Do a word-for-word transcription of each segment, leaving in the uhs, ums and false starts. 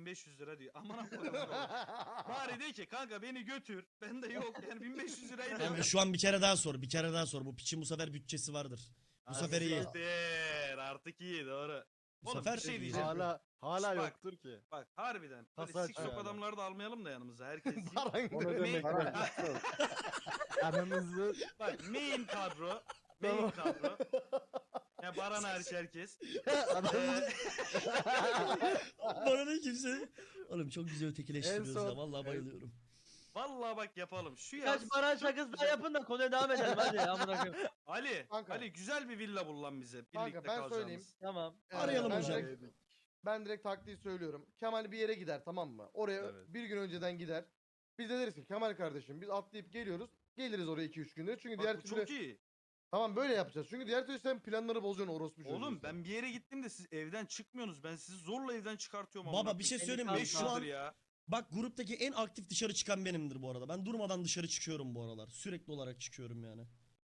beş yüz lira diyor. Aman Allah'ım. Bari de ki kanka beni götür. Ben de yok yani bin beş yüz lirayı da Kanka şu an bir kere daha sor. Bir kere daha sor. Bu piçin bu sefer bütçesi vardır. Bu sefer iyi. Siktir, artık iyi doğru. Bu Oğlum sefer bir şey iyi. diyeceğim. Hala hala Şş, bak. yoktur ki. Bak harbiden. Böyle Tasa siksok açıyor hala. adamları da almayalım da yanımıza. Herkes değil. Baran Onu direkt- demek Main- lazım. Aramızı Bak main kadro. Main kadro. Ya Baran hariç herkes. aramızı Bana ne kimse. Oğlum çok güzel ötekileştiriyoruz En son- ya. Vallahi bayılıyorum. Vallahi bak yapalım. Şu yaz. Kaç baran çok şakası daha güzel- yapın da konuya devam edelim hadi amına koyayım. Ali, Kanka. Ali güzel bir villa bul lan bize. Birlikte Kanka, ben kalacağımız. söyleyeyim. Tamam. Ee, Arayalım ben hocam. Direkt, ben direkt taktiği söylüyorum. Kemal bir yere gider, tamam mı? Oraya Evet. bir gün önceden gider. Biz de deriz ki Kemal kardeşim biz atlayıp geliyoruz. Geliriz oraya iki üç günde. Çünkü Bak, diğer bu türlü çok iyi. tamam böyle yapacağız. Çünkü diğer türlü sen planları bozuyorsun orospu çocuğu. Oğlum sen. ben bir yere gittim de siz evden çıkmıyorsunuz. Ben sizi zorla evden çıkartıyorum. Baba amına bir şey koyayım. söyleyeyim mi? Beni Şu Beş an yıldır ya. bak gruptaki en aktif dışarı çıkan benimdir bu arada. Ben durmadan dışarı çıkıyorum bu aralar. Sürekli olarak çıkıyorum yani.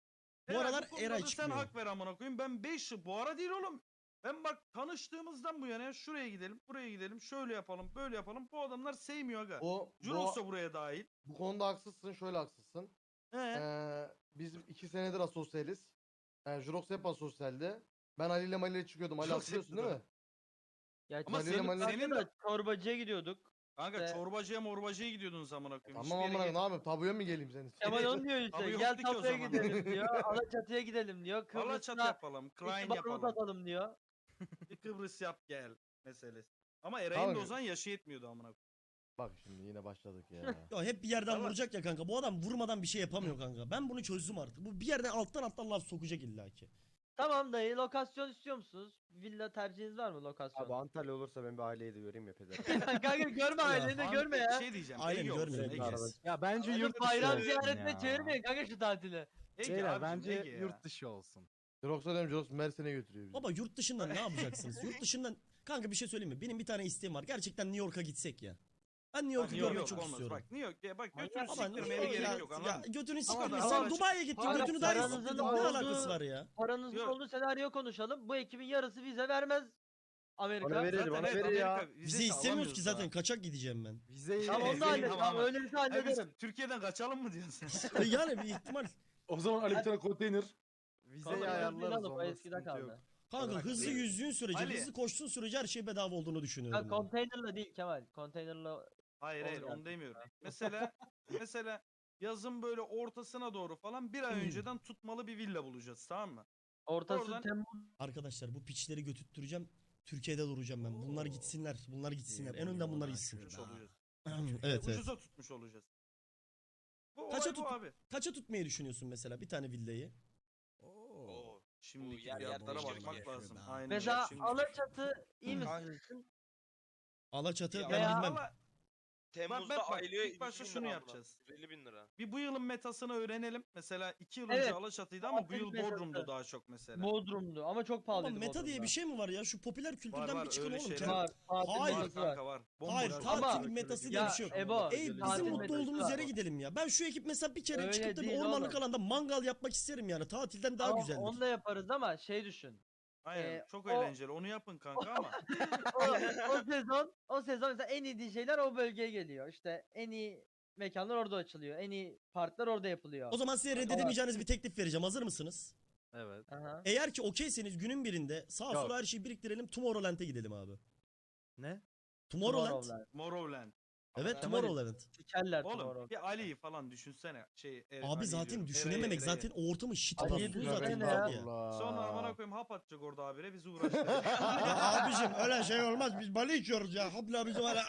Bu Eray, aralar konuda Eray da çıkmıyor. Sen hak ver amına koyayım. Ben beş yıl bu ara değil oğlum. Ben bak tanıştığımızdan bu yana ya şuraya gidelim, buraya gidelim, şöyle yapalım, böyle yapalım. Bu adamlar sevmiyor aga. O, Jurox bu, da buraya dahil. bu konuda haksızsın, şöyle haksızsın. He. Ee, biz iki senedir asosyaliz. Yani Jurox hep asosyaldi. Ben Ali ile Mali ile çıkıyordum. Ali Jurox hatırlıyorsun hep değil mi? Gerçi Ama senin- senin, senin senin de çorbacıya gidiyorduk. Kanka İşte- çorbacıya morbacıya gidiyordunuz amına koyayım. Tamam Hiçbir yere amına ne git- yapayım? Tabuya mı geleyim senin? Kemal onu diyor işte. Abi Gel yoktu ki o tapuya zaman. gidelim diyor. Alaçatı'ya gidelim diyor. Alaçatı Kıbrıs'ta yapalım, iki Klein barut yapalım. atalım diyor. Bir Kıbrıs yap gel meselesi. Ama Eray'ın da Kanka. o zaman yaşı yetmiyordu amına koyayım. Bak şimdi yine başladık ya. Ya hep bir yerden Valla- vuracak ya kanka. Bu adam vurmadan bir şey yapamıyor kanka. Ben bunu çözdüm artık. Bu bir yerden alttan alttan laf sokacak illaki. Tamam dayı lokasyon istiyor musunuz? Villa tercihiniz var mı lokasyon? Abi Antalya olursa ben bir aileyi de göreyim ya peder. Kanka görme aileni de An- görme Bir ya. şey diyeceğim. Aynen, Ege olsun, görmeyelim. Ege. Arada- Ya bence Arada yurt dışı Bayram olsun ziyaretine ya. çevirmeyin kanka şu tatili. Ege Beyler abicim, bence Ege ya. yurt dışı olsun. Jurox'a diyorum Jurox Mersin'e götürüyor bizi. Baba yurt dışından ne yapacaksınız? Yurt dışından kanka bir şey söyleyeyim mi? Benim bir tane isteğim var. Gerçekten New York'a gitsek ya. Ben New York'u New görmeyi York çok olmaz. istiyorum. Bak New York ya bak götünü Ama Ama New siktirmeye York gerek ya, yok ya anladın mı? götünü Ama siktirme. daha Sen açık- Dubai'ye gittin. Para- Götünü daha iyi paranızın siktirdin. Ne olduğu- alakası var ya? Paranızın Yok. olduğu senaryo konuşalım. Bu ekibin yarısı vize vermez Amerika. Bana verir, Zaten bana evet, verir ya. Amerika Bizi vizesi istemiyoruz ki alamıyoruz zaten. daha. Kaçak gideceğim ben. Vizeyi Tamam onu da Tamam, hallet. tamam, Tamam, öyleyse Ha, biz hallederim. Türkiye'den kaçalım mı diyorsun sen? E yani bir ihtimal. O zaman Ali bir tane konteyner. vizeyi Kanka, ayarlarız alıp o onda eskide sıkıntı yok. kaldı. Kanka Bak, hızlı Ali- yüzdüğün sürece, Ali- hızlı koştuğun sürece her şey bedava olduğunu düşünüyorum. Ya ben. konteynerla değil Kemal. Konteynerla Hayır hayır Olacak. onu demiyorum. Mesela mesela yazın böyle ortasına doğru falan bir ay Hmm. önceden tutmalı bir villa bulacağız tamam mı? ortası Oradan- Temmuz. Arkadaşlar bu piçleri götürttüreceğim. Türkiye'de duracağım ben. Bunlar gitsinler. Bunlar gitsinler. En önden bunlar gitsin. Tutmuş olacağız. evet evet. Ucuza tutmuş olacağız. Bu Kaça olay bu tut- abi. Kaça tutmayı düşünüyorsun mesela bir tane villayı? Oo. Şimdiki yer yer fiyatlara değişiyor bakmak ya. lazım. Aynen. Mesela Şimdi- Alaçatı iyi mi Kanka- sizin için? Alaçatı Ya ben veya- bilmem. Ama Temmuz'da bak, bak, aylığı ilk başta şunu yapacağız. yüz elli bin lira. bir bu yılın metasını öğrenelim. Mesela iki yıl Evet. önce Alaçatı'ydı ama bu Tatil yıl metası. Bodrum'du daha çok mesela. Bodrum'du ama çok Ama pahalıydı meta diye bir şey mi var ya? Şu popüler Var kültürden var bir çıkın öyle oğlum. şeyler. Kendi- Var. Tatil Hayır. Var metası var. kanka var. Bomboş Hayır var. tatil Ama- metası diye Ya bir şey yok. Ebo, Ey tatil bizim mutlu metası olduğumuz var. yere gidelim ya. Ben şu ekip mesela bir kere Öyle çıkıp da bir değil ormanlık oğlum. alanda mangal yapmak isterim yani. Tatilden daha Ama güzeldir. Onu da yaparız ama şey düşün. Aynen Ee, çok o- eğlenceli. Onu yapın kanka ama. O, o sezon o sezon mesela en iyi D J'ler o bölgeye geliyor. İşte en iyi mekanlar orada açılıyor. En iyi partiler orada yapılıyor. O zaman size reddedemeyeceğiniz bir teklif vereceğim. Hazır mısınız? Evet. Aha. Eğer ki okeyseniz günün birinde sağa Yok. sola her şeyi biriktirelim. Tomorrowland'e gidelim abi. Ne? Tomorrowland. Tomorrowland. Morrowland. Evet Kemal'im. Tomorrowland. Sikerler Oğlum Tomorrowland. bir Ali'yi falan düşünsene. Şey, e, Abi Ali'yi zaten diyorum. düşünememek Ereği, zaten o ortamı shit Ali'yi basıyor düşünsene zaten ya. abi ya. Sonra amına koyayım hap atacak orada abire bizi uğraştıracak. Ya abicim öyle şey olmaz. Biz balı içiyoruz ya. Hopla bizim hala.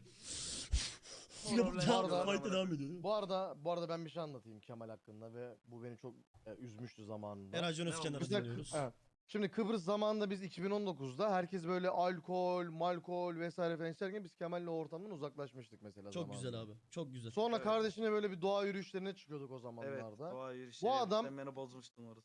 Yapıp Bu devam, arada- fight'a devam ediyor. Bu arada bu arada ben bir şey anlatayım Kemal hakkında ve bu beni çok e, üzmüştü zamanında. Eray Can Ne Özkenar'ı oldu? Biz de- dinliyoruz. evet. Şimdi Kıbrıs zamanında biz iki bin on dokuzda herkes böyle alkol, malkol vesaire falan içerken biz Kemal'le o ortamdan uzaklaşmıştık mesela Çok zamanında. güzel abi. Çok güzel. Sonra Evet. kardeşine böyle bir doğa yürüyüşlerine çıkıyorduk o evet. zamanlarda. Doğa yürüyüşleri. Bu adam- Sen beni bozmuştun orası.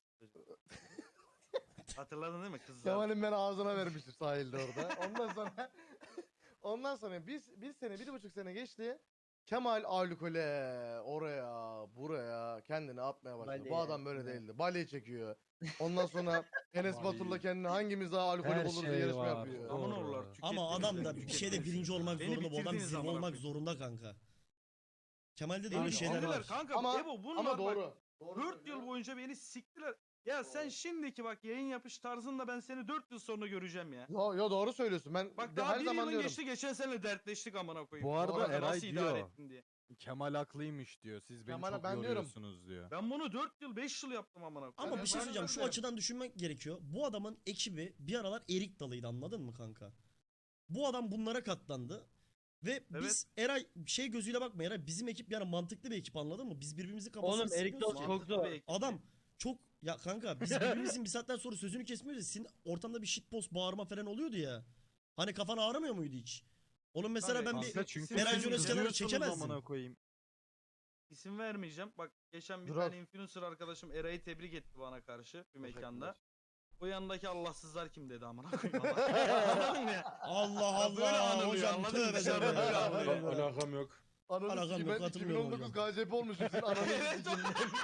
Hatırladın değil mi kızlar? Kemal'in beni ağzına vermiştir sahilde orada. Ondan sonra ondan sonra biz bir sene, bir buçuk sene geçti. Kemal alkole oraya buraya kendini atmaya başladı. Bu Bali'ye, adam böyle evet. değildi. Bale çekiyor. Ondan sonra Enes Batur'la kendini hangimiz daha alkolü Her buluruz diye şey yarışma var. yapıyor. Aman Doğru. oğullar Ama tükettiniz adam beni, da bir şeyde tükettiniz. birinci olmak Beni zorunda. Bu adam bitirdiniz zirve amına olmak koyayım. zorunda kanka. Kemal'de de Beni öyle şeyler bitirdiler var. kanka. Ama Ebo bunlar ama bak, doğru. Doğru dört söylüyor. yıl boyunca beni siktiler. Ya sen şimdiki bak yayın yapış tarzında ben seni dört yıl sonra göreceğim ya. Yo, yo doğru söylüyorsun. Ben Bak de daha her bir zaman yılın diyorum. geçti geçen sene dertleştik amına koyayım. Bu arada Orada Eray nasıl idare diyor. ettin diye. Kemal haklıymış diyor. Siz beni Kemal'e çok ben diyorum. yoruyorsunuz diyor. Ben bunu dört yıl beş yıl yaptım amına koyayım. Ama Ben bir şey ben söyleyeceğim. Şu öyle. açıdan düşünmek gerekiyor. Bu adamın ekibi bir aralar erik dalıydı, anladın mı kanka? Bu adam bunlara katlandı. Ve biz Eray şey gözüyle bakma, Eray bizim ekip yani mantıklı bir ekip, anladın mı? Biz birbirimizi kafasına Oğlum Erik sıkıyoruz Dalı ki. çok Mantıklı zor. bir ekip. Adam çok ya kanka biz birbirimizin bir saatten sonra sözünü kesmiyoruz ya. Senin ortamda bir shitpost bağırma falan oluyordu ya. Hani kafan ağrımıyor muydu hiç? Onun mesela Tabii, ben kanka bir Kanka çünkü Eray siz Jones kenara kızıyorsunuz çekemezsin. amına koyayım. İsim vermeyeceğim. Bak geçen bir Durak. tane influencer arkadaşım Eray'ı tebrik etti bana karşı bir mekanda. Teşekkürler. O yanındaki Allahsızlar kim dedi amına koyayım ama. Anladın mı ya? Allah Ya böyle Allah anılıyor, hocam anladın mı? tövbe Dışarıda tövbe. böyle ya. anılıyor. Al- Alakam yok. Ananı Alakam sikeyim, yok, ben katılmıyorum iki bin on dokuz hocam. K C P olmuşum. Sizin ananı Evet, sikeyim.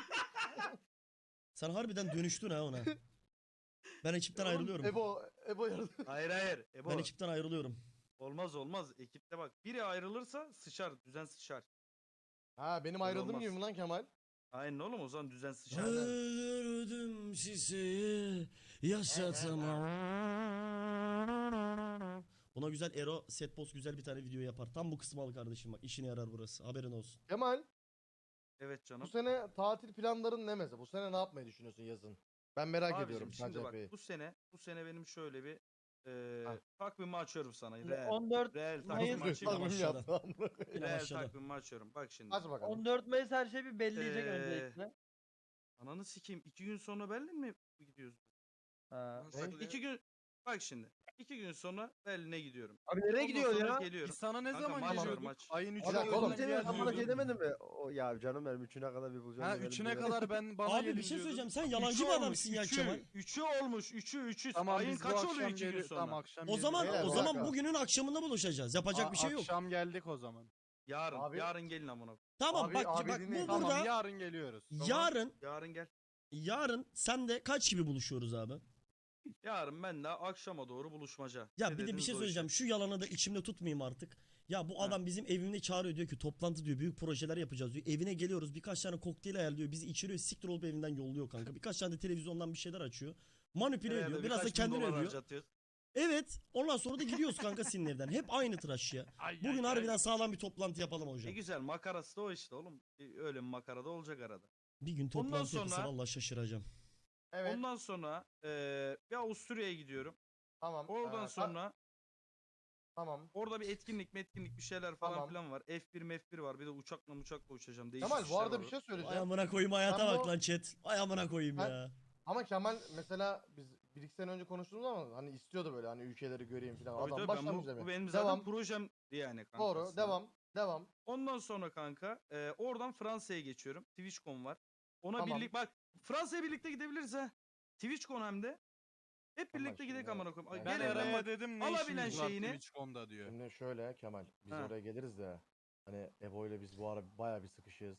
Sen harbiden dönüştün ha ona. Ben ekipten Oğlum, ayrılıyorum. Ebo, Ebo yardım. Hayır hayır. Ebo. Ben ekipten ayrılıyorum. Olmaz olmaz. Ekipte bak biri ayrılırsa sıçar. Düzen sıçar. Ha benim Öyle ayrıldığım olmaz. gibi mi lan Kemal? Aynen oğlum o zaman düzen sıçar. Öldürdüm sizi yaşatma. Buna güzel Ero Setpost güzel bir tane video yapar. Tam bu kısmı al kardeşim, bak işine yarar burası. Haberin olsun. Kemal Evet bu canım. sene tatil planların ne mesela? Bu sene ne yapmayı düşünüyorsun yazın? Ben merak Abicim, ediyorum şimdi bak K C P'yi. bu sene bu sene benim şöyle bir eee Ha. takvimi açıyorum sana. Reel. on dört Reel Mayıs- takvimi Nasıl bir açayım. Tamam, takvim aşağıda. yaptı amına koyayım? Yine Reel başladı. takvimi açıyorum. Bak şimdi. Aç bakalım. on dört Mayıs her şey bir belleyecek Ee, öncelikle. Ananı sikeyim. iki gün sonra Berlin mi gidiyoruz? Ha. Ne? Bak iki gün. Bak şimdi. iki gün sonra Berlin'e gidiyorum. Abi nereye Ondan gidiyor sonra ya? Geliyorum. Biz sana ne Kanka, zaman maç var, geliyorduk? maç. Ayın Bir üçüne dakika oğlum, kadar Seni geliyorduk. amına şey demedin mi? O ya canım benim üçüne kadar bir bulacağım. Ha demedim üçüne diye. kadar ben bana Abi gelin bir şey diyordun. söyleyeceğim. Sen Üçü yalancı bir olmuş, adamsın ya üçü, Kemal. Üçü olmuş. Üçü üçü. Tamam Ayın biz bu kaçı oluyor akşam iki gün geliyoruz. sonra? Tamam akşam O zaman Beyler, o bir zaman dakika. bugünün akşamında buluşacağız. Yapacak A- bir şey yok. Akşam geldik o zaman. Yarın. Abi- Yarın gelin amına. Tamam Abi- bak abi bak dinleyin. bu Tamam burada yarın geliyoruz. yarın Yarın gel. yarın sen de kaç gibi buluşuyoruz abi? Yarın ben de akşama doğru buluşmaca. Ya Ne bir de bir dediniz şey o söyleyeceğim. işe. Şu yalanı da içimde tutmayayım artık. Ya bu Ha. adam bizim evimde çağırıyor, diyor ki toplantı diyor, büyük projeler yapacağız diyor. Evine geliyoruz, birkaç tane kokteyl ayarlıyor, bizi içiriyor, siktir olup evinden yolluyor kanka. Birkaç tane de televizyondan bir şeyler açıyor. Manipüle Herhalde ediyor. Biraz da birkaç bin kendini dolar övüyor. harcatıyor. Evet. Ondan sonra da gidiyoruz kanka senin evden. Hep aynı tıraş ya. Bugün harbiden sağlam bir toplantı yapalım Ne hocam. güzel makarası da o işte oğlum. E, Öyle bir makara da olacak arada. Bir gün Ondan toplantı yapılsa sonra- vallahi şaşıracağım. Evet. Ondan sonra eee bir Avusturya'ya gidiyorum. Tamam. Oradan Ee, sonra tamam. orada bir etkinlik metkinlik bir şeyler falan Tamam. filan var. F bir F bir var. Bir de uçakla uçakla uçacağım. Değişik Kemal bu işler arada var bir şey Ay söyleyeceğim. amına koyayım, hayata Ben bak bu- lan chat. Ay amına koyayım Ben- ya. Ama Kemal mesela biz bir iki sene önce konuştuğumuz ama hani istiyordu böyle hani ülkeleri göreyim falan. Tabii Adam tabii, ben bu, başlamayacağım bu ya. benim zaten Devam. projem yani kanka. Doğru. aslında. Devam. Devam. Ondan sonra kanka e, oradan Fransa'ya geçiyorum. TwitchCon var. Ona Tamam. birlik bak Fransa'ya birlikte gidebiliriz ha. TwitchCon hem de. Hep Tamam birlikte gidelim şimdi. amına koyayım. Ben Ben Gel evden Eray'a bak. dedim ne alabilen işiniz var şeyini- Twitch.com'da diyor. Şimdi şöyle Kemal biz Ha. oraya geliriz de hani Ebo ile biz bu ara bayağı bir sıkışığız.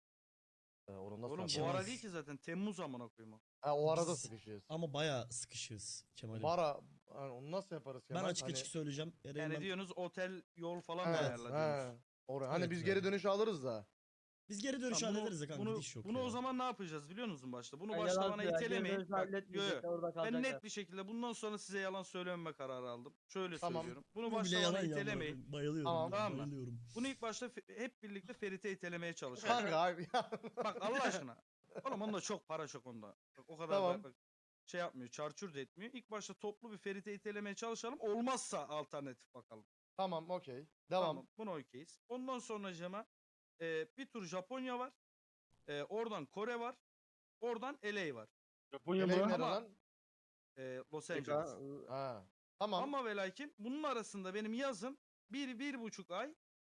Ee, onu nasıl Oğlum bu yapalım? ara değil ki zaten Temmuz amına koyayım o. Ha, o arada Biz- sıkışığız. Ama bayağı sıkışığız Kemal'im. Bara hani onu nasıl yaparız Ben Kemal? açık Hani- açık söyleyeceğim. Eray'ın Yani ben- diyorsunuz otel yol falan mı Evet, ayarladınız? he. Oraya. Hani Evet biz ya. geri dönüşü alırız da. Biz geri dönüş Tamam, bunu- hallederiz de kanka, bunu, gidiş yok bunu ya. o zaman ne yapacağız biliyor musun başta? Bunu Ya başta yalan bana söyle, geri itelemeyin. dönüş Bak, yo, halletmeyecekler, yo. orada Ben kalacaklar. net bir şekilde bundan sonra size yalan söylememe kararı aldım. Şöyle Tamam. söylüyorum. Bunu Bu bile başta bana yalan ya. amına itelemeyin. koyayım. Bayılıyorum. Tamam. ya, Tamam mı? bayılıyorum. Bunu ilk başta fe- hep birlikte Ferit'e itelemeye çalışalım. Kanka abi ya. Bak Allah aşkına. Oğlum onda çok para çok onda. Bak, o kadar Tamam. bak, bak, şey yapmıyor. Çarçur da etmiyor. İlk başta toplu bir Ferit'e itelemeye çalışalım. Olmazsa alternatif bakalım. Tamam okey. Devam. Tamam. Buna okeyiz. Ondan sonra Cema e, bir tur Japonya var. E, oradan Kore var. Oradan L A var. Japonya Eleyim mı? nere Ama- lan? E, Los Angeles. Ha. Tamam. Ama ve lakin bunun arasında benim yazım bir, bir buçuk ay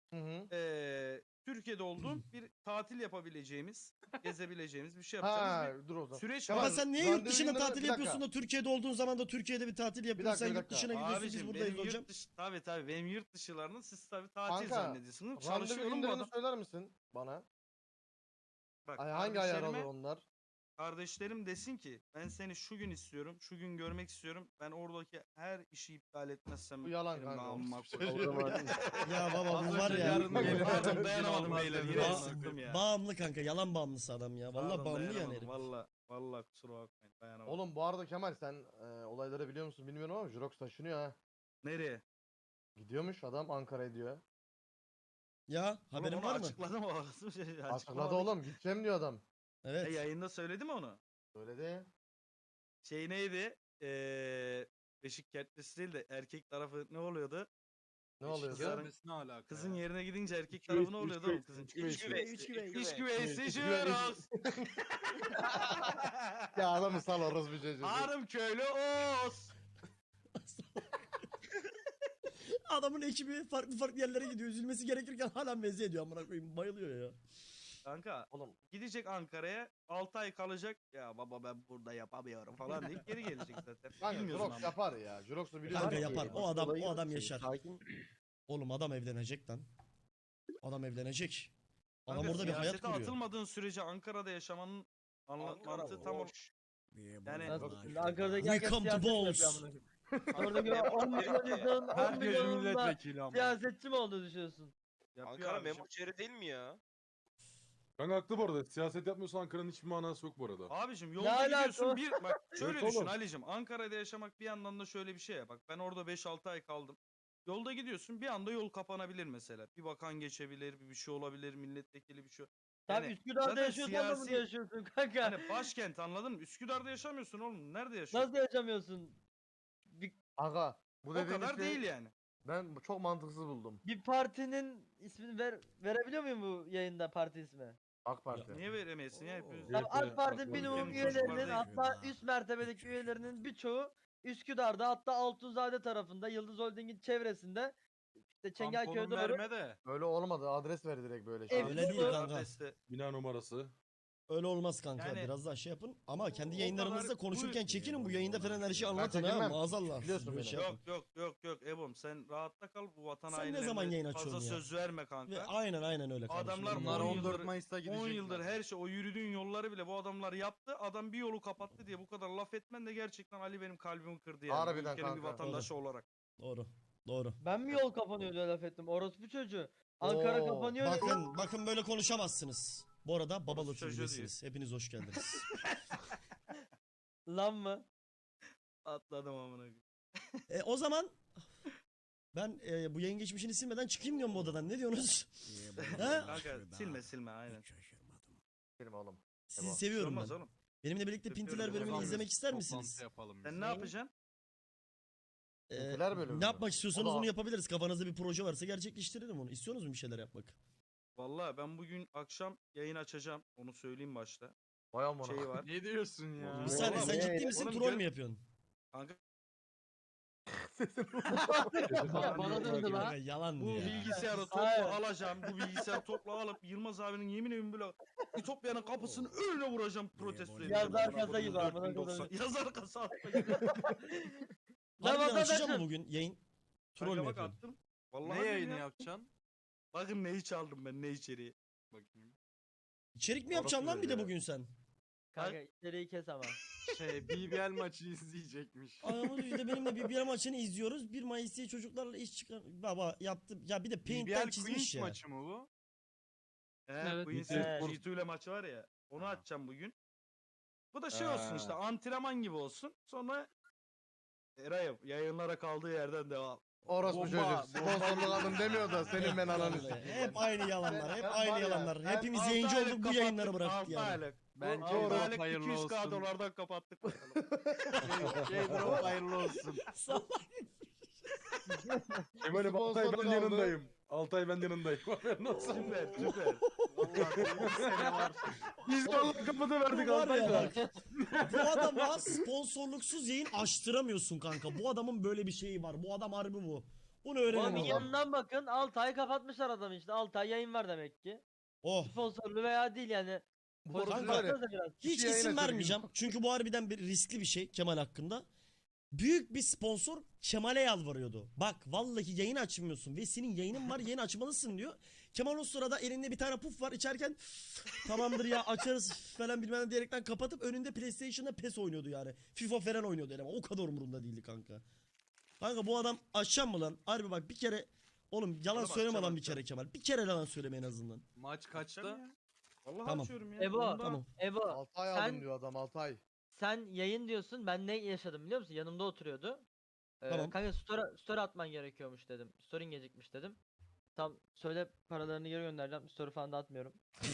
Hı hı. Ee, Türkiye'de olduğum bir tatil yapabileceğimiz, gezebileceğimiz bir şey yapacağımız Ha dur o bir zaman. süreç Kemal, var. Ama sen niye randevu yurt dışında günleri- tatil bir yapıyorsun dakika. da Türkiye'de olduğun zaman da Türkiye'de bir tatil yapıyorsun. dakika, Sen bir yurt dakika. dışına gidiyorsun biz Abicim buradayız benim hocam. yurt dışı, tabii tabii benim yurt dışılarını siz tabii tatil Kanka, zannediyorsunuz. Randevu Çalışıyorum bu günlerini adam. söyler misin bana? Bak, Ay, hangi ayar alır kardeşlerime- onlar? Kardeşlerim desin ki ben seni şu gün istiyorum, şu gün görmek istiyorum. Ben oradaki her işi iptal etmezsem Bu yalan benim kanka, namıma orası bir koyarım. şey O zaman Ya baba bu Az var önce ya. yarın gelin Pardon, dedim, dayanamadım yine olmaz beyler, dedim. yine Ba- sıktım ya. bağımlı kanka yalan bağımlısı adam ya. Vallahi Pardon, bağımlı yani dayanamadım, herif. Valla valla kusura bakmayın dayanamadım. Oğlum bu arada Kemal sen e, olayları biliyor musun bilmiyorum ama Jurox taşınıyor ha. Nereye? Gidiyormuş adam Ankara'ya diyor. Ya Oğlum haberin onu var mı? açıkladı mı orası? Şey, Açıkladı açıklamadı oğlum gideceğim diyor adam. ki. Evet. E, yayında söyledi mi onu? Söyledi. Şey neydi? Eee Beşik kertlisi değil de erkek tarafı ne oluyordu? Ne Beşik oluyordu? yarın- Gelmesi ne alaka Kızın ya? yerine gidince erkek Üç tarafı güveysi, ne üç oluyordu oğlum güveysi, kızın? üç güveysi. Üç güvey. İş güveysi güveysi. Jurox. Ya adamı sal orası bir şey. Ağrım köylü Oğuz. Adamın ekibi farklı farklı yerlere gidiyor. Üzülmesi gerekirken hala meze ediyor amına koyayım. Bayılıyor ya. Kanka Oğlum gidecek Ankara'ya altı ay kalacak. Ya baba ben burada yapamıyorum falan deyip geri gelecek zaten. kanka Bilmiyorsun Jurox ama. yapar ya. Jurox'u biliyorsun. Kanka yapar. O adam Olayı o adam yok. yaşar. Sakin. Oğlum adam evlenecek lan. Adam evlenecek. Adam Kanka, orada bir hayat siyasete kuruyor. atılmadığın sürece Ankara'da yaşamanın anla- mantığı tam o. Yani Nasıl? Şimdi Ankara'daki We herkes come to siyaset mi balls. yapıyor amına koyayım? Oradaki on milyon insanın on Herkes milyonunda milletvekili ama. siyasetçi mi olduğunu düşünüyorsun? yapıyor Ankara abicim. memur şehri değil mi ya? Kanka haklı bu arada. Siyaset yapmıyorsan Ankara'nın hiçbir manası yok bu arada. Abicim Ne yolda alaka gidiyorsun o? bir bak şöyle Evet düşün oğlum. Ali'cim Ankara'da yaşamak bir yandan da şöyle bir şey ya bak ben orada beş altı ay kaldım. Yolda gidiyorsun bir anda yol kapanabilir mesela. Bir bakan geçebilir, bir bir şey olabilir, milletvekili bir şey. Tabii Yani Üsküdar'da zaten yaşıyorsan da siyasi- bunu yaşıyorsun kanka. Yani başkent anladın mı? Üsküdar'da yaşamıyorsun oğlum. Nerede yaşıyorsun? Nasıl yaşamıyorsun? Bir, Aga bu O dediğin kadar şey değil yani. ben çok mantıksız buldum. bir partinin ismini ver, verebiliyor muyum bu yayında parti ismi? AK Parti. Niye veremeyesin ya? Hepimiz- Tamam, Evet, AK Parti evet, minimum evet. üyelerinin Çocuklar hatta üst mertebedeki üyelerinin birçoğu Üsküdar'da hatta Altunzade tarafında Yıldız Holding'in çevresinde işte Çengelköy'e Tamponun doğru verme de. Öyle olmadı. Adres ver direkt böyle şey. Ev- Öyle değil Doğru. kanka. Adreste. Bina numarası. Öyle olmaz kanka. Yani- Biraz daha şey yapın. Ama kendi O yayınlarınızda kadar- konuşurken bu- çekinin. Bu yayında falan her şeyi anlatın ha. çekinmem. Maazallah. Biliyorsun Böyle beni. şey yapın. Yok yok yok yok Ebom sen rahatta kal bu vatan Sen ne hainlerine zaman yayın fazla açıyorsun ya? söz verme kanka. Ve aynen aynen öyle kardeşim. Adamlar Bunlar on on yıldır- dört Mayıs'ta gidecek. on yıldır zaten. her şey o yürüdüğün yolları bile bu adamlar yaptı. Adam bir yolu kapattı diye bu kadar laf etmen de gerçekten Ali benim kalbimi kırdı yani. Bu Harbiden ülkenin bir kanka. vatandaşı olarak. Doğru. Doğru. ben mi yol kapanıyor diye laf ettim? Orospu çocuğu. Ankara Oo, kapanıyor. Bakın bakın böyle konuşamazsınız. Bu arada Babalı Orası çocuğu Türk'desiniz. Hepiniz hoş geldiniz. Lan mı? Atladım amına koyayım. e, o zaman ben e, bu yayın geçmişini silmeden çıkayım diyorum bu odadan. Ne diyorsunuz? He? Kanka silme silme aynen. Benim oğlum. Sizi Tamam. seviyorum Olmaz ben. oğlum. Benimle birlikte Öpüyorum Pintiler seni. bölümünü Tamam. izlemek ister Toplantı misiniz? yapalım biz. Sen ne yapacaksın? Ee, Pintiler bölümü ne mü? yapmak istiyorsanız O da- onu yapabiliriz. Kafanızda bir proje varsa gerçekleştirelim onu. İstiyorsunuz mu bir şeyler yapmak? Vallahi ben bugün akşam yayın açacağım. Onu söyleyeyim başta. Vay amına. Şey var. Ne diyorsun ya? Bir saniye sen Vallahi- ciddi misin? Oğlum Troll gel- mü yapıyorsun? Kanka Ya bana döndü lan. Kanka yalan bu ya. bilgisayarı Hayır. topla alacağım. Bu bilgisayarı topla alıp Yılmaz abinin yemin ederim böyle Ütopya'nın kapısını öyle vuracağım protesto edeceğim. Yazar Amına kasa koyayım, gibi amına dört bin doksan. koyayım. Yazar kasa atma gibi. Harbiden vatandaşım. açacağım mı bugün yayın? Troll Kanka mü bak yapıyorsun? attım. Vallahi Ne diyorum yayını ya. yapacaksın? Bakın neyi çaldım ben ne içeriği. Bakayım. İçerik mi yapacaksın lan bir de bugün sen? Kanka içeriği kes ama. Şey B B L maçı izleyecekmiş. Ayağımız işte benimle bir bir maçını izliyoruz. bir Mayıs diye çocuklarla iş çıkar. Baba yaptım. Ya bir de B Paint'ten B L çizmiş Queens ya. maçı mı bu? He, Evet. Queens Evet. G iki ile maçı var ya. Onu Ha. açacağım bugün. Bu da şey olsun Ha. işte antrenman gibi olsun. Sonra Eray'ım yayınlara kaldığı yerden devam. Orospu Bomba, çocuk. Sponsorluk aldım demiyor da senin ben ananı Vallahi, sikeyim. hep aynı yalanlar. Hep Ben- aynı var ya, yalanlar. ben Hepimiz Altı yayıncı aylık olduk bu kapattık, yayınları bıraktık altı yani. aylık. Bence altı Drop aylık hayırlı iki yüz K olsun. dolardan kapattık bakalım. K-Drop hayırlı olsun. Kemal'im Altay Sponsorluk ben aldı. yanındayım. Altay ben yanındayım. Haberin olsun. süper süper. Vallahi bir sene var. Biz de onun kapıda verdik Bu var ya Altay'da. bak. Bu adama sponsorluksuz yayın açtıramıyorsun kanka. Bu adamın böyle bir şeyi var. Bu adam harbi bu. Bunu Oğlum öğrenelim. o zaman. yanından bakın altı ay kapatmışlar adamı işte. altı ay yayın var demek ki. Oh. Sponsorlu veya değil yani. Bu arada Politik var ya, baksanıza biraz. Hiç yayın isim açar vermeyeceğim. gün. Çünkü bu harbiden bir riskli bir şey Kemal hakkında. Büyük bir sponsor Kemal'e yalvarıyordu. Bak vallahi yayın açmıyorsun ve senin yayının var yayın açmalısın diyor. Kemal o sırada elinde bir tane puf var içerken tamamdır ya açarız falan bilmem ne diyerekten kapatıp önünde PlayStation'da PES oynuyordu yani. FIFA falan oynuyordu yani. O kadar umurumda değildi kanka. Kanka bu adam açacağım mı lan? Harbi bak bir kere oğlum yalan Oğlum söyleme açacağım, lan bir açacağım. kere Kemal. Bir kere yalan söyleme en azından. Maç Açacağım kaçta? ya. Vallahi Tamam. açıyorum ya. Ebo, Onda- Tamam. Ebo altı ay sen- aldım diyor adam altı ay. sen yayın diyorsun. Ben ne yaşadım biliyor musun? Yanımda oturuyordu. Ee, Tamam. Kanka story, story atman gerekiyormuş dedim. Story'in gecikmiş dedim. Tam söyle paralarını geri göndereceğim. Story falan da atmıyorum.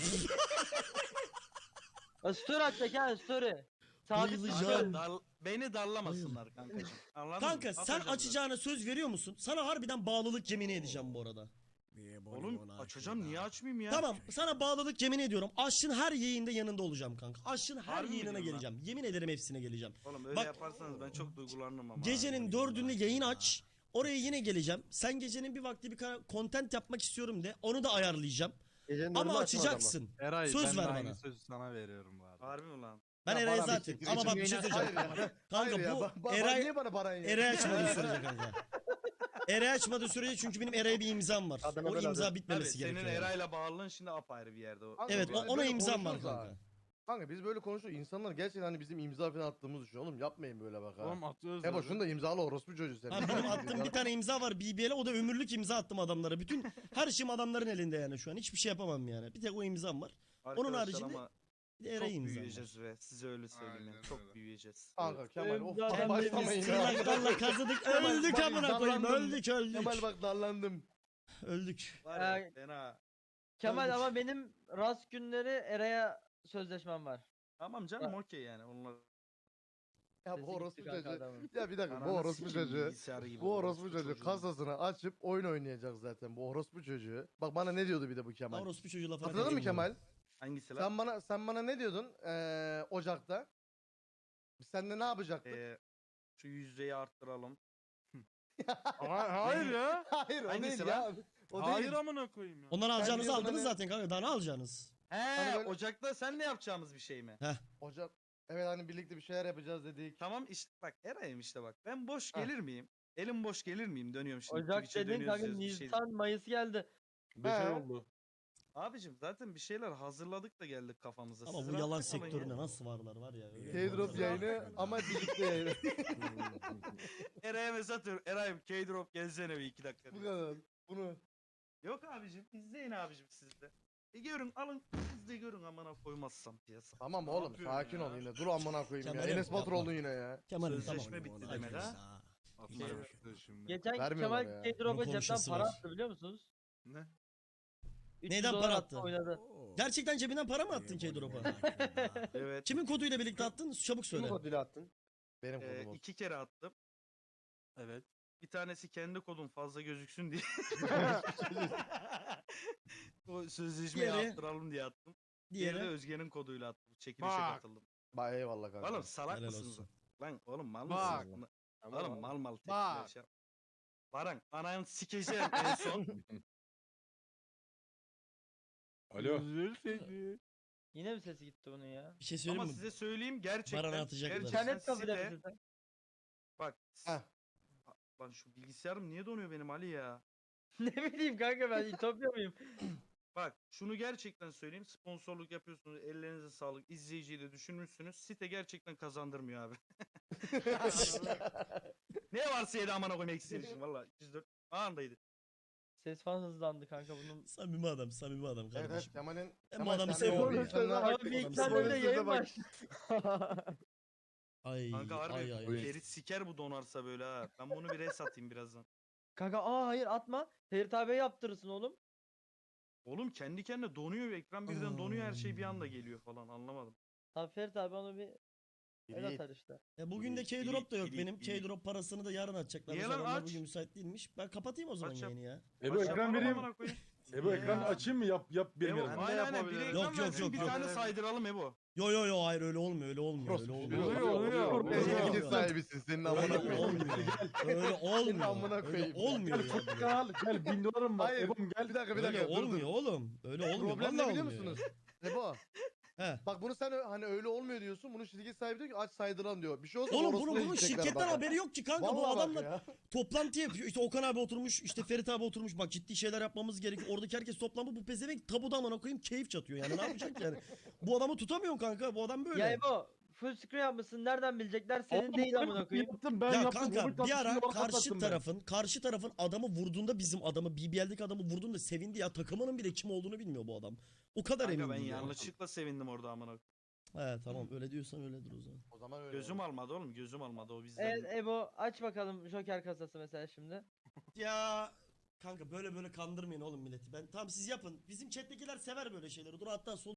Ya story atacak yani story. Sabit bir Bayılacağım. story. Dar- beni darlamasınlar kankacığım. Anladın Kanka mı? sen Atacağım zaten. açacağına söz veriyor musun? Sana harbiden bağlılık yemini edeceğim bu arada. Oğlum açacağım niye açmayayım ya? Tamam sana bağlılık yemin ediyorum. Aşçın her yayında yanında olacağım kanka. Aşçın her Harbi mi yayınına diyorsun lan? geleceğim. Yemin ederim hepsine geleceğim. Oğlum öyle Bak- yaparsanız ben çok duygulanırım ama. Gecenin dördünde yayın aç. Oraya yine geleceğim. Sen gecenin bir vakti bir kara- content yapmak istiyorum de. Onu da ayarlayacağım. Gecenin Ama önünde açma adamı. açacaksın. Eray Söz ben de ver aynı bana. sözü sana veriyorum bu arada. Harbi mi lan? Ben Ya Eray'a bana bir zaten. siktir Ama için bak bir şey yayın söyleyeceğim. Hayır ya. Kanka Hayır ya. bu Ba- ba- Eray niye bana para yiyor? Eray açmadığı sürece kanka. Eray açmadığı sürece çünkü benim Eray'a bir imzam var. Adana O ben imza adı. bitmemesi Tabii gerekiyor. senin yani. Eray'la bağlılığın şimdi apayrı bir yerde. O. Kanka Evet biz o- de ona böyle imzam var konuşuyoruz ha. kanka. Kanka biz böyle konuşuyoruz. İnsanlar gerçekten hani bizim imza falan attığımızı düşünüyor. Oğlum yapmayın böyle bak ha. Oğlum atıyoruz. Ebo zaten. şunu da imzalı orospu çocuğu sen. Ha, benim attığım bir tane imza var B B L'e o da ömürlük imza attım adamlara. Bütün her şeyim adamların elinde yani şu an. Hiçbir şey yapamam yani. Bir tek o imzam var. Onun Arkadaşlar haricinde ama bir de çok Eray'ın imzam var. büyüyeceğiz ve size öyle söyleyeyim yani. Aynen Çok öyle. büyüyeceğiz. Kanka Kemal Benim of zaten başlamayın Kendimiz ya. tırnaklarla kazıdık. Kemal, Öldük bak, amına koyayım. darlandım. Öldük öldük. Kemal bak darlandım. Öldük. Var ya Ee, fena. Kemal Öldük. ama benim rast günleri Eray'a sözleşmem var. Tamam canım okey yani onlar. Ya Sesi bu gitti orospu kanka çocuğu. adamın. Ya bir dakika bu Ananı orospu sikeyim, çocuğu. bilgisayarı gibi Bu orospu çocuğu çocuğun. kasasını açıp oyun oynayacak zaten bu orospu çocuğu. Bak bana ne diyordu bir de bu Kemal. Orospu çocuğu lafına Hatırladın mı katılmıyorum. Kemal? Hangisi lan? Sen bana sen bana ne diyordun ee, Ocak'ta? Biz seninle ne yapacaktık? Ee, şu yüzdeyi arttıralım. Ha- Hayır ya. Hayır o hangisi değil lan? ya. O Hayır değil. amına koyayım ya. Ondan alacağınızı diyordun aldınız hani- zaten kanka. Daha ne alacaksınız? He Hani böyle- Ocak'ta sen ne yapacağımız bir şey mi? Ocak. Evet hani birlikte bir şeyler yapacağız dedik. Tamam işte bak Eray'ım işte bak. Ben boş Heh. gelir miyim? Elim boş gelir miyim? Dönüyorum şimdi. Ocak Twitch'e dedin dönüyoruz, kanka diyoruz, bir şey- Nisan Mayıs geldi. Beş ay He. oldu. Abicim zaten bir şeyler hazırladık da geldik kafamıza. Ama Siz bu rahat yalan kalın ya. sektörüne nasıl varlar var ya. öyle K-Drop varlar. yayını ama birlikte yayını. Eray'a mesaj atıyorum. Eray'ım K-Drop gelsene bir iki dakika. Bu diye. kadar. Bunu. Yok abicim izleyin abicim siz de. E görün alın siz de görün amına koymazsam piyasa. Tamam Ne oğlum yapıyorsun sakin ya? ol yine. Dur amına koyayım ya. Kemal, Enes Batur yapma. oldun yine ya. Kemal'im Sözleşme tamam. bitti Ona demek gireriz. ha? Atma Şey- yaptı şimdi. Geçen Vermiyorlar Kemal ya. K-Drop'a Bunun cepten konuşması para var. attı biliyor musunuz? Ne? üç yüz Neyden dolar para attı, attı? Oynadı. Gerçekten cebinden para mı attın K-Drop'a? Evet. Kimin koduyla birlikte attın? Çabuk Kimin söyle. koduyla attın? Benim Ee, kodum olsun. iki kere attım. Evet. Bir tanesi kendi kodum fazla gözüksün diye. O sözleşmeyi Diğeri- arttıralım diye attım. Diğeri de Diğeri. Özge'nin koduyla attım. Çekilişe Bak. katıldım. Bak eyvallah kanka. Oğlum salak Helal mısınız? olsun. Lan oğlum mal Bak. mısınız? Ama Oğlum mal mal Bak. tepkiler şey yap- Baran ananı sikeceğim en son. Alo. Üzül seni. Yine mi sesi gitti bunun ya? Bir şey söyleyeyim Ama mi? size söyleyeyim gerçekten. Baran'a atacaklar. gerçekten İnternet kapacak site- mısın sen? Bak. Heh. Lan şu bilgisayarım niye donuyor benim Ali ya? Ne bileyim kanka ben İtopya mıyım? Bak şunu gerçekten söyleyeyim. Sponsorluk yapıyorsunuz. Ellerinize sağlık. İzleyiciyi de düşünmüşsünüz. Site gerçekten kazandırmıyor abi. Ne varsa yedi amına koymak istemişim valla. iki yüz dört anındaydı. Ses falan hızlandı kanka bunun. Samimi adam, samimi adam Evet evet kardeşim. Kemal'in. Ben bu Kemal adamı sen de o seviyorum. bilgisayarına- Abi bir iki tane Oyun öyle size yayın bak. var. Ay Kanka harbi ay ay. Oyun. Ferit siker bu donarsa böyle ha. Ben bunu bir res atayım birazdan. Kanka aa hayır atma. Ferit abiye yaptırırsın oğlum. Oğlum kendi kendine donuyor ekran birden donuyor her şey bir anda geliyor falan anlamadım. Tabii Ferit abi onu bir el Yiğit. atar işte. E bugün de İlik, K-Drop da yok ilik, benim. ilik. K-Drop parasını da yarın atacaklar. Niye Mesela lan? onlar Aç. bugün müsait değilmiş. Ben kapatayım o zaman Aç yap. yayını ya. Ebo Aç ekran yapalım vereyim. amına koyayım. Ebo ekranı Ya. açayım mı? Yap yap benim Ebo, yerimde. aynen aynen. Biri yapabilirim. ekran Yok, yok, versin, yok, bir yok. tane saydıralım Ebo. Yo yo yo hayır öyle olmuyor öyle olmuyor öyle olmuyor. Öyle Oluyor, olmuyor. oluyor. Eski Oluyor. fikir sahibisin senin amına Öyle koyayım. olmuyor. Öyle olmuyor. amına Öyle koyayım. olmuyor Gel ya. Furkan al gel bin dolarım var. Hayır. Ebom gel. Bir dakika bir Öyle dakika dur dur. olmuyor oğlum. Öyle olmuyor. Problem ne Vallahi biliyor olmuyor. musunuz? Ebo. He. Bak bunu sen ö- hani öyle olmuyor diyorsun. Bunun şirket sahibi diyor ki aç saydıran diyor. Bir şey olsa Oğlum orasına bunun, bunun gidecekler şirketten bak. haberi yok ki kanka. Bu Vallahi bak adamla ya. toplantı yapıyor. İşte Okan abi oturmuş, işte Ferit abi oturmuş. Bak ciddi şeyler yapmamız gerekiyor. Oradaki herkes toplanmış. Bu pezevenk tabuda amına koyayım keyif çatıyor. Yani ne yapacak yani? Bu adamı tutamıyorsun kanka. Bu adam böyle. Ya Ebo full screen yapmışsın nereden bilecekler senin Oğlum, değil ben amına koyayım. Yaptım ben ya yaptım. kanka Hobbit bir yaptım, ara şimdi ona karşı katlattım ben. tarafın karşı tarafın adamı vurduğunda bizim adamı B B L'deki adamı vurduğunda sevindi ya, takımının bile kim olduğunu bilmiyor bu adam. O kadar Kanka emin ben değil. yani. yanlışlıkla sevindim orada amına. He tamam öyle diyorsan öyledir o zaman. O zaman öyle. Gözüm almadı oğlum, gözüm almadı o bizden. Evet Ebo aç bakalım Joker kasası mesela şimdi. Ya kanka böyle böyle kandırmayın oğlum milleti. Ben tamam siz yapın. Bizim chat'tekiler sever böyle şeyleri. Dur hatta sol